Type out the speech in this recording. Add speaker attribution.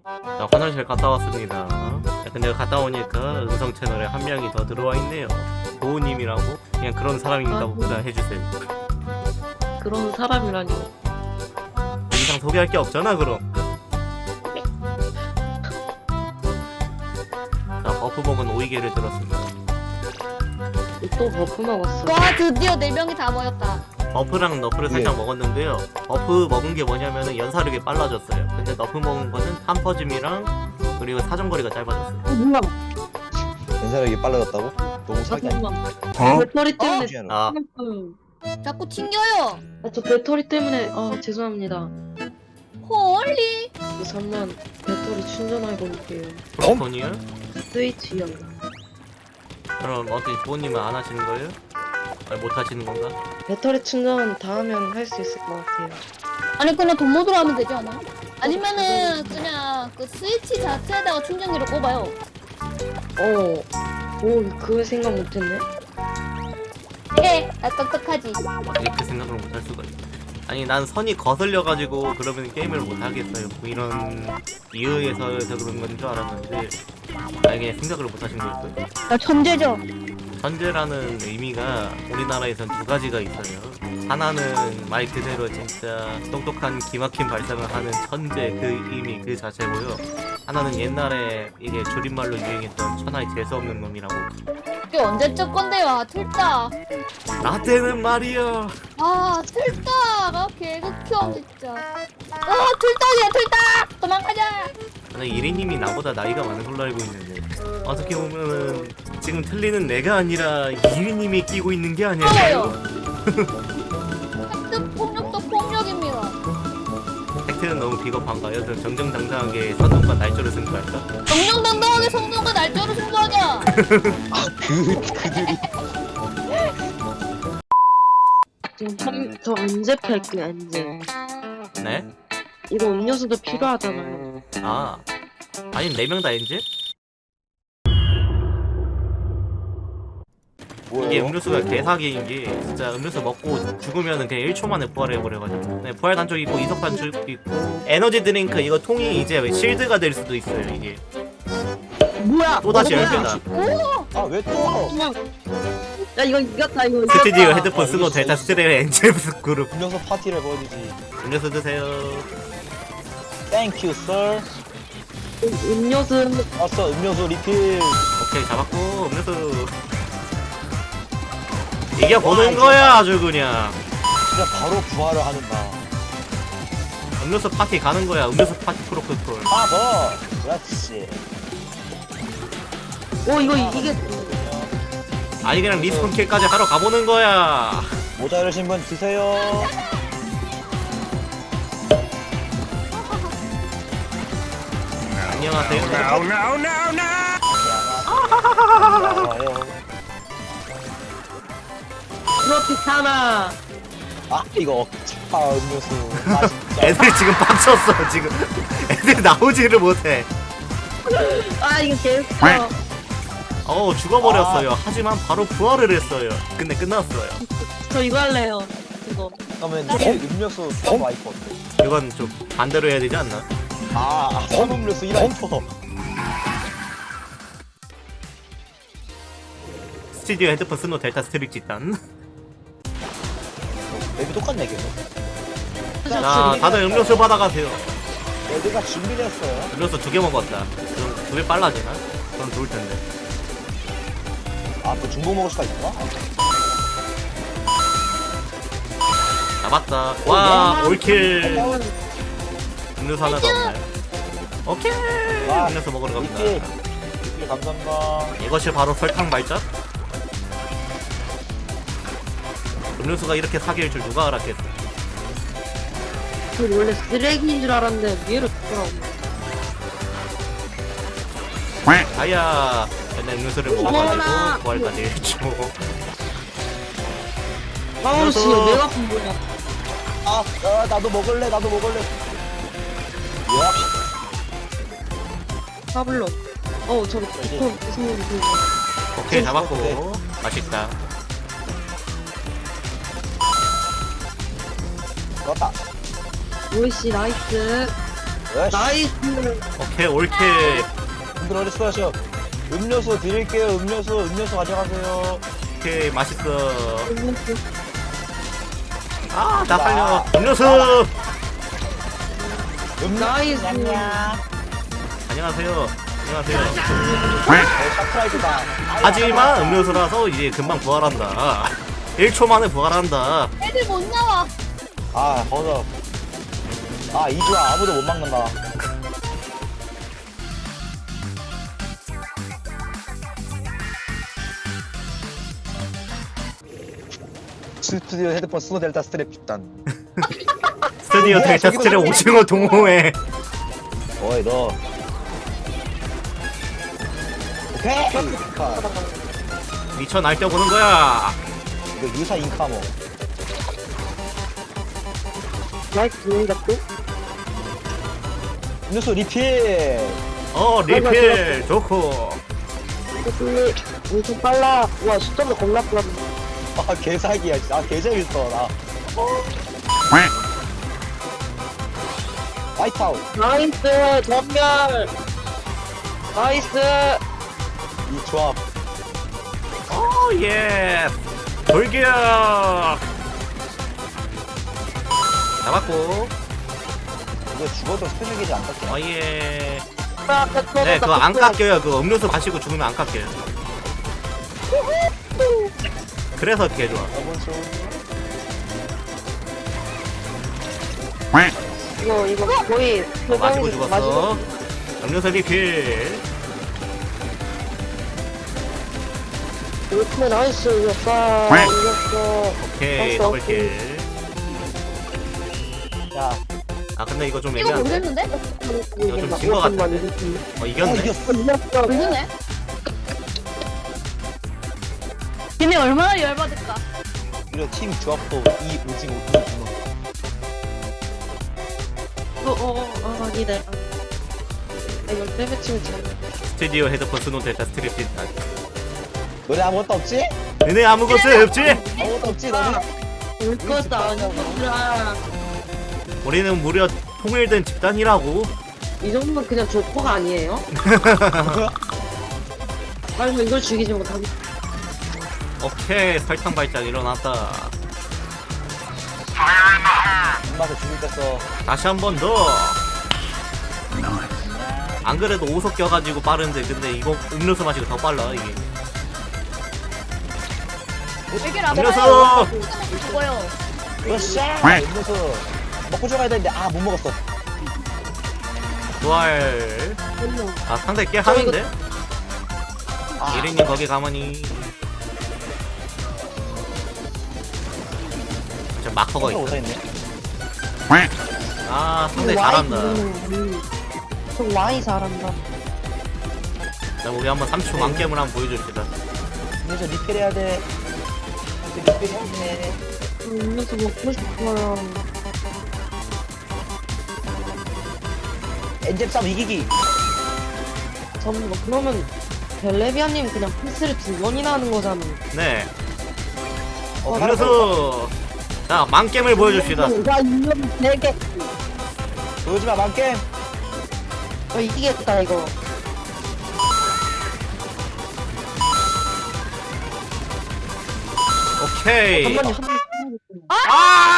Speaker 1: 자, 화장실 갔다 왔습니다. 야, 근데 갔다 오니까 음성 채널에 한 명이 더 들어와 있네요. 도우님이라고? 그냥 그런 사람입니다. 그냥 해주세요.
Speaker 2: 그런 사람이라니.
Speaker 1: 더 이상 소개할 게 없잖아 그럼. 자, 버프 먹은 오이개를 들었습니다.
Speaker 2: 또 버프 먹었어.
Speaker 3: 와 드디어 4명이 다 모였다.
Speaker 1: 버프랑 너프를 살짝 먹었는데요. 버프 먹은 게 뭐냐면은 연사력이 빨라졌어요. 근데 너프 먹은 거는 탐퍼짐이랑 그리고 사정거리가 짧아졌어요.
Speaker 2: 뭐야?
Speaker 4: 연사력이 빨라졌다고? 너무 사기 아니야?
Speaker 2: 잠깐만. 배터리 때문에.
Speaker 4: 어?
Speaker 1: 아,
Speaker 3: 자꾸 튕겨요.
Speaker 2: 저 배터리 때문에 죄송합니다.
Speaker 3: 홀리.
Speaker 2: 잠만 배터리 충전하고 올게요.
Speaker 1: 브로콘이요?
Speaker 2: 스위치요.
Speaker 1: 그럼 어떻게 부모님은 안 하시는 거예요? 아니 못 하시는 건가?
Speaker 2: 배터리 충전 다 하면 할 수 있을 것 같아요.
Speaker 3: 아니 그냥 돈 모드로 하면 되지 않아? 아니면은 그냥 그 스위치 자체에다가 충전기를 꼽아요.
Speaker 2: 오, 그거 생각 못했네.
Speaker 3: 똑똑하지.
Speaker 1: 어떻게 그 생각을 못 할 수가 있어. 아니 난 선이 거슬려가지고 그러면 게임을 못 하겠어요. 뭐 이런 이유에서 그런 건 줄 알았는데 아니 그냥 생각을 못 하신 거였어요.
Speaker 3: 나 천재죠.
Speaker 1: 천재라는 의미가 우리나라에선 두 가지가 있어요. 하나는 말 그대로 진짜 똑똑한 기막힌 발상을 하는 천재 그 의미 그 자체고요. 하나는 옛날에 이게 줄임말로 유행했던 천하의 재수없는 놈이라고.
Speaker 3: 이게 언제적 건데요? 틀딱.
Speaker 1: 나 때는 말이야.
Speaker 3: 아 틀딱아 개극혐 진짜. 틀딱이야 틀딱. 도망가자.
Speaker 1: 근데 이리님이 나보다 나이가 많은 걸로 알고 있는데 어떻게 보면은 지금 틀리는 내가 아니라 이리님이 끼고 있는 게 아닐까요?
Speaker 3: 팩트 폭력도 폭력입니다.
Speaker 1: 팩트는 너무 비겁한가요? 저 정정당당하게 선동과 날조를 승부할까?
Speaker 3: 정정당당하게 성동과 날짜로 승부하자.
Speaker 4: 그들이
Speaker 2: 지금 저 언제 팰게요, 언제?
Speaker 1: 네?
Speaker 2: 이거 음료수도 필요하잖아요.
Speaker 1: 아 아니 4명 다 엔지?
Speaker 4: 뭐예요?
Speaker 1: 이게 음료수가 개사기인 게 진짜 음료수 먹고 죽으면은 그냥 1초 만에 부활해버려가지고 네, 부활 단쪽 있고 이석 단쪽 있고 에너지 드링크 이거 통이 이제 실드가 될 수도 있어요 이게
Speaker 2: 뭐야?
Speaker 1: 또다시
Speaker 2: 뭐야?
Speaker 1: 10배다
Speaker 4: 아왜 또?
Speaker 2: 야 이거 이겼다 이거.
Speaker 1: 스튜디오 헤드폰 쓰고 델타 스트레일 엔젤브스 그룹
Speaker 4: 음료수 파티를 벌이지.
Speaker 1: 음료수 드세요
Speaker 4: 땡큐 썰.
Speaker 2: 음료수.
Speaker 4: 왔어 음료수 리필.
Speaker 1: 오케이 잡았고 음료수 이겨보는 거야 아주 그냥
Speaker 4: 진짜 바로 부활을 하는다.
Speaker 1: 음료수 파티 가는 거야 음료수 파티 프로토콜
Speaker 4: 아 그렇지.
Speaker 2: 이거 이게
Speaker 1: 아니 그냥 리스폰 킬까지 하러 가보는 거야
Speaker 4: 모자르신 분 드세요.
Speaker 1: 안녕하세요
Speaker 4: 안녕하세요.
Speaker 2: 트로피카나.
Speaker 4: 아 이거 차 음료수. 아 진짜.
Speaker 1: 애들 지금 빡쳤어 지금 애들 나오지를 못해
Speaker 2: 이거 개웃겨.
Speaker 1: 죽어버렸어요 하지만 바로 부활을 했어요 근데 끝났어요
Speaker 2: 저 이거 할래요. 이거.
Speaker 4: 그러면 음료수 와이퍼 어때?
Speaker 1: 이건 좀 반대로 해야 되지 않나?
Speaker 4: 음료수 1와이퍼.
Speaker 1: 스튜디오 헤드폰 스노 델타 스트릭 짓단
Speaker 4: 맵이 똑같네 계속.
Speaker 1: 자 다들 음료수 받아가세요
Speaker 4: 애들가 준비를 했어요.
Speaker 1: 음료수 2개 먹었다 그럼 2배 빨라지나? 그럼 좋을 텐데
Speaker 4: 또 중복 먹을 수가 있구나.
Speaker 1: 잡았다 와 올킬 음료수 하나 더 없네 오케이
Speaker 4: 와,
Speaker 1: 음료수 먹으러 갑니다
Speaker 4: 리필 감사합니다.
Speaker 1: 이것이 바로 설탕 발작? 음료수가 이렇게 사기일 줄 누가 알았겠어
Speaker 2: 저 원래 쓰레기인 줄 알았는데 위로 돌아오네.
Speaker 1: 아야 근데 음료수를 먹어가지고 부활까지 했죠
Speaker 2: 아우 씨,
Speaker 1: 그래서-
Speaker 2: 내가 본 거야.
Speaker 4: 나도 먹을래. 야.
Speaker 2: 파블로. 저기 비콘 무슨 그.
Speaker 1: 오케이 잡았고 맛있다
Speaker 4: 좋았다.
Speaker 2: 오이씨 나이스.
Speaker 4: 에이씨,
Speaker 2: 나이스.
Speaker 1: 오케이 올킬.
Speaker 4: 분들 어디 수고하셔. 음료수 드릴게요. 음료수 가져가세요.
Speaker 1: 오케이 맛있어. 아 나 살려. 음료수.
Speaker 2: 나이스.
Speaker 1: 안녕하세요. 안녕하세요.
Speaker 4: 샤프라이즈다.
Speaker 1: 하지만 음료수라서 이제 금방 부활한다. 1초 만에 부활한다.
Speaker 3: 애들 못 나와.
Speaker 4: 아, 버섯. 아, 이주야 아무도 못 막는다. 스튜디오 헤드폰 스노 델타 스트랩 집단.
Speaker 1: 스튜디오
Speaker 4: 뭐야,
Speaker 1: 델타
Speaker 4: 저기도
Speaker 1: 스트랩 오징어 동호회.
Speaker 4: 어이 너. 오케이.
Speaker 1: 미쳐 날뛰어보는 거야.
Speaker 4: 이거 유사 인카모.
Speaker 2: 나이스 보인다 또.
Speaker 4: 음료수 리필.
Speaker 1: 리필 좋고.
Speaker 2: 근데 엄청 빨라. 와 숫자도 겁나 빨라.
Speaker 4: 아 개사기야. 아 개재밌어 나. 와이파우.
Speaker 2: 나이스 전멸. 나이스.
Speaker 4: 이 조합.
Speaker 1: 예. 돌격. 잡았고.
Speaker 4: 이거 죽어도 스페셜 안 깎여.
Speaker 1: 예. 네 그거 안 깎여요. 그 음료수 마시고 죽으면 안 깎여요. 그래서 개 좋아.
Speaker 4: 저번주.
Speaker 2: 이거 거의
Speaker 1: 마시고 죽었어. 음료수 리필.
Speaker 2: 이렇게 나이스 이겼어. 이겼어.
Speaker 1: 오케이 더블킬.
Speaker 4: 야.
Speaker 1: 아 근데 이거 좀
Speaker 3: 이거
Speaker 1: 애매한데?
Speaker 3: 모르겠는데?
Speaker 1: 이거 좀 진 거 같은데? 이겼네.
Speaker 4: 이겼어.
Speaker 2: 이겼어.
Speaker 3: 모르네. 걔네 얼마나 열받을까?
Speaker 4: 이런 팀 조합도 이 오징어 오징어.
Speaker 2: 아니네. 이걸 때려치면 잘.
Speaker 1: 스튜디오 헤드폰 스노 델타 스트립 진단.
Speaker 4: 너네 아무것도 없지?
Speaker 1: 너네 아무것도 없지?
Speaker 4: 아무것도 없지 너네?
Speaker 2: 올 것도 아니야.
Speaker 1: 우리는 무려 통일된 집단이라고.
Speaker 2: 이 정도면 그냥 조커가 아니에요? 아니 이걸 죽이지 못하면
Speaker 1: 오케이 설탕 발작 일어났다.
Speaker 4: 입맛에 죽을 뺐어.
Speaker 1: 다시 한 번 더. 안 그래도 오석 껴가지고 빠른데 근데 이거 음료수 마시고 더 빨라 이게.
Speaker 3: 얘기를 안
Speaker 1: 음료수!
Speaker 3: 해요. 죽어요.
Speaker 4: 으쌰! 음료수 먹고 들어가야 되는데 아 못 먹었어.
Speaker 1: 부활. 아 상대 꽤 하는데?
Speaker 4: 아,
Speaker 1: 예린님 거기 가만히. 저 마커가 있어.
Speaker 4: 못하겠네.
Speaker 1: 아 상대 잘한다.
Speaker 2: 저 와이 잘한다.
Speaker 1: 자 우리 한번 3초 만겜을 한번 보여줍시다.
Speaker 4: 음료수 리필해야 돼. 리필해야 돼.
Speaker 2: 음료수 먹고 싶어요.
Speaker 4: 엔젤 싸움 이기기.
Speaker 2: 잠깐만 그러면 벨레비아님 그냥 패스를 2번이나 하는 거잖아.
Speaker 1: 네.
Speaker 4: 어,
Speaker 1: 음료수. 자 만겜을 보여줍시다.
Speaker 2: 나 음료수 4개.
Speaker 4: 보여주마 만겜.
Speaker 2: 이기겠다 이거.
Speaker 1: 오케이.
Speaker 2: 한 번에 한 번.
Speaker 1: 아!